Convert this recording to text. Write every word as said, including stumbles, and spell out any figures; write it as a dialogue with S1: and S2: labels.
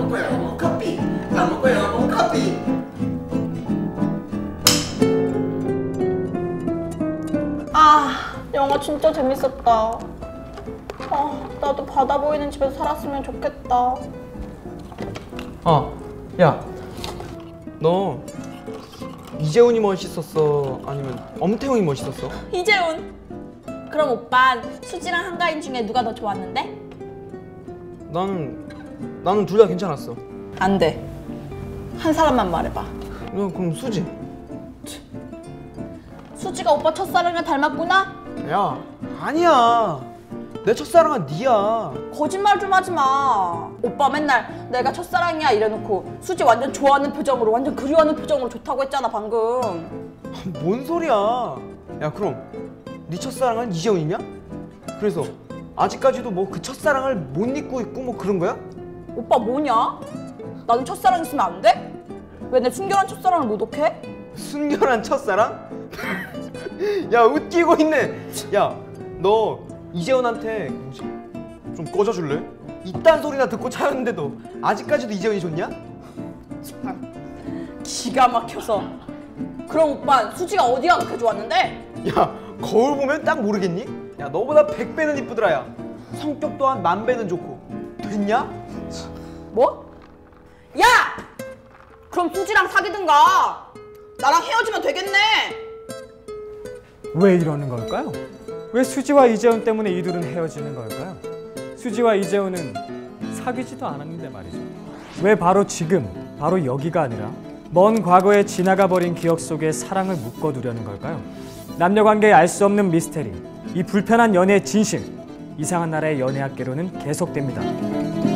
S1: 먹고 영화 보고 커피. 밥 먹고 영화 보고 커피.
S2: 아, 영화 진짜 재밌었다. 아, 나도 바다 보이는 집에서 살았으면 좋겠다.
S3: 아, 야, 너 이재훈이 멋있었어? 아니면 엄태웅이 멋있었어?
S2: 이재훈. 그럼 오빤 수지랑 한가인 중에 누가 더 좋았는데?
S3: 나는 나는 둘 다 괜찮았어.
S2: 안 돼. 한 사람만 말해봐.
S3: 너 그럼 수지.
S2: 수지가 오빠 첫사랑이랑 닮았구나?
S3: 야, 아니야. 내 첫사랑은 니야.
S2: 거짓말 좀 하지 마. 오빠 맨날 내가 첫사랑이야 이래놓고 수지 완전 좋아하는 표정으로, 완전 그리워하는 표정으로 좋다고 했잖아 방금.
S3: 뭔 소리야? 야, 그럼 네 첫사랑은 이재훈이냐? 그래서 아직까지도 뭐 그 첫사랑을 못 잊고 있고 뭐 그런 거야?
S2: 오빠 뭐냐? 나는 첫사랑 있으면 안 돼? 왜 내 순결한 첫사랑을 모독해?
S3: 순결한 첫사랑? 야, 웃기고 있네. 야, 너 이재훈한테 좀 꺼져줄래? 이딴 소리나 듣고 차였는데도 아직까지도 이재훈이 좋냐?
S2: 참, 기가 막혀서. 그럼 오빠 수지가 어디가 그렇게 좋았는데?
S3: 야, 거울 보면 딱 모르겠니? 야, 너보다 백 배는 이쁘더라. 야, 성격 또한 만 배는 좋고. 됐냐?
S2: 뭐? 야! 그럼 수지랑 사귀든가. 나랑 헤어지면 되겠네.
S4: 왜 이러는 걸까요? 왜 수지와 이재훈 때문에 이둘은 헤어지는 걸까요? 수지와 이재훈은 사귀지도 않았는데 말이죠. 왜 바로 지금, 바로 여기가 아니라 먼 과거에 지나가 버린 기억 속에 사랑을 묶어두려는 걸까요? 남녀관계에 알 수 없는 미스테리, 이 불편한 연애의 진실, 이상한 나라의 연애학개론은 계속됩니다.